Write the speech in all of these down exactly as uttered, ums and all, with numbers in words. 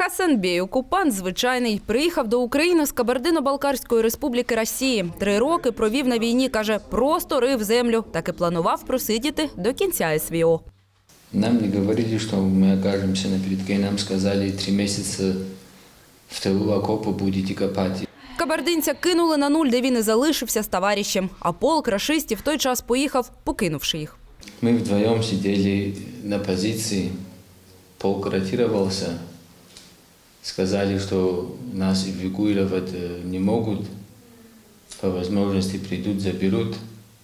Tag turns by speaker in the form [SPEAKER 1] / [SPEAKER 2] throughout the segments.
[SPEAKER 1] Хасанбей – окупант звичайний. Приїхав до України з Кабардино-Балкарської республіки Росії. Три роки провів на війні, каже, просто рив землю. Так і планував просидіти до кінця СВО.
[SPEAKER 2] Нам не говорили, що ми окажемося на передке. Нам сказали, три місяці в тилу окопу будете копати.
[SPEAKER 1] Кабардинця кинули на нуль, де він і залишився з товаришем. А полк рашистів в той час поїхав, покинувши їх.
[SPEAKER 2] Ми вдвоєм сиділи на позиції, полк ротировался. Сказали, что нас эвакуировать не могут, по возможности придут, заберут,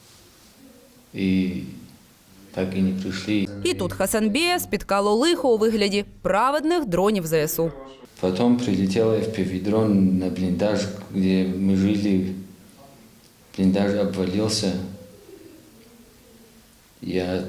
[SPEAKER 2] и так и не пришли.
[SPEAKER 1] І тут Хасанбея спіткало лихо у вигляді праведних дронів ЗСУ.
[SPEAKER 2] Потом прилетел эф пі ви-дрон на блиндаж, где мы жили, блиндаж обвалился. Я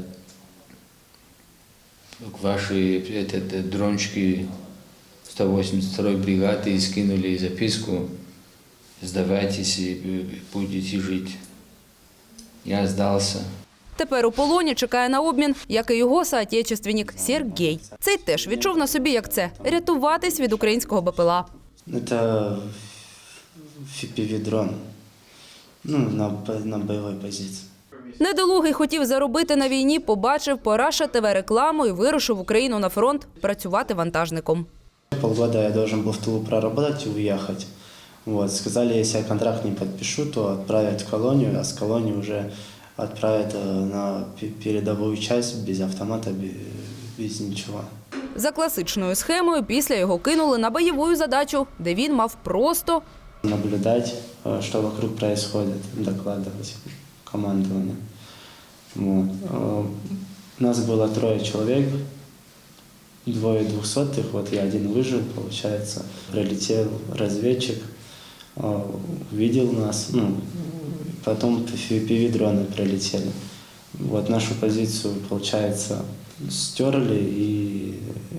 [SPEAKER 2] к вашей этот, дрончики сто восемьдесят второй бригады скинули записку: «Сдавайтесь и будете жить». Я сдался.
[SPEAKER 1] Тепер у полоні чекає на обмін, як і його соотечественник Сергій. Цей теж відчув на собі, як це – рятуватись від українського БПЛА.
[SPEAKER 3] Це еф пі ви-дрон, ну, на, на бойовій позиції.
[SPEAKER 1] Недолугий хотів заробити на війні, побачив по Раша ТВ рекламу і вирушив в Україну на фронт працювати вантажником.
[SPEAKER 3] Полгода я должен был в тылу проработать и уехать. Вот. Сказали, если я контракт не подпишу, то отправят в колонию, а с колонии уже отправят на передовую часть без автомата, без ничего.
[SPEAKER 1] За класичною схемою після його кинули на бойову задачу, де він мав просто
[SPEAKER 3] наблюдать, что вокруг происходит, докладывать командованию. Вот. Нас было трое человек. Двое двухсотых, вот я один выжил, получается. Прилетел разведчик, увидел нас, ну, потом эф пи ви-дроны прилетели. Вот нашу позицию, получается, стерли, и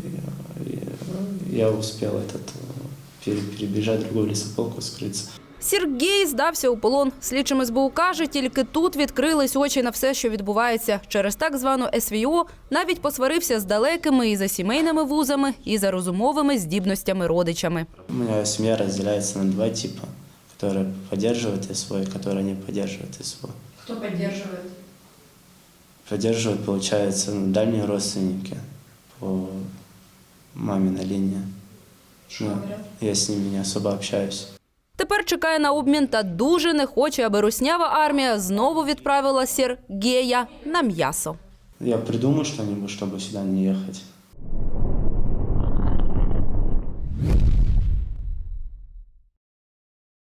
[SPEAKER 3] я успел этот, перебежать в другую лесополку, скрыться.
[SPEAKER 1] Сергій здався у полон. Слідчим ес бе у каже, тільки тут відкрились очі на все, що відбувається. Через так звану ес ве о навіть посварився з далекими і за сімейними вузами, і за розумовими здібностями родичами.
[SPEAKER 3] У мене сім'я розділяється на два типи, які підтримують ес ве о, які не підтримують ес ве о.
[SPEAKER 1] Хто підтримує?
[SPEAKER 3] Підтримують, виходить, ну, дальні родственники по маминій лінії. Ну, я з ними не особо общаюсь.
[SPEAKER 1] Тепер чекає на обмін та дуже не хоче, аби руснява армія знову відправила Сергія на м'ясо.
[SPEAKER 3] Я придумаю що-нибудь, щоб сюди не їхати.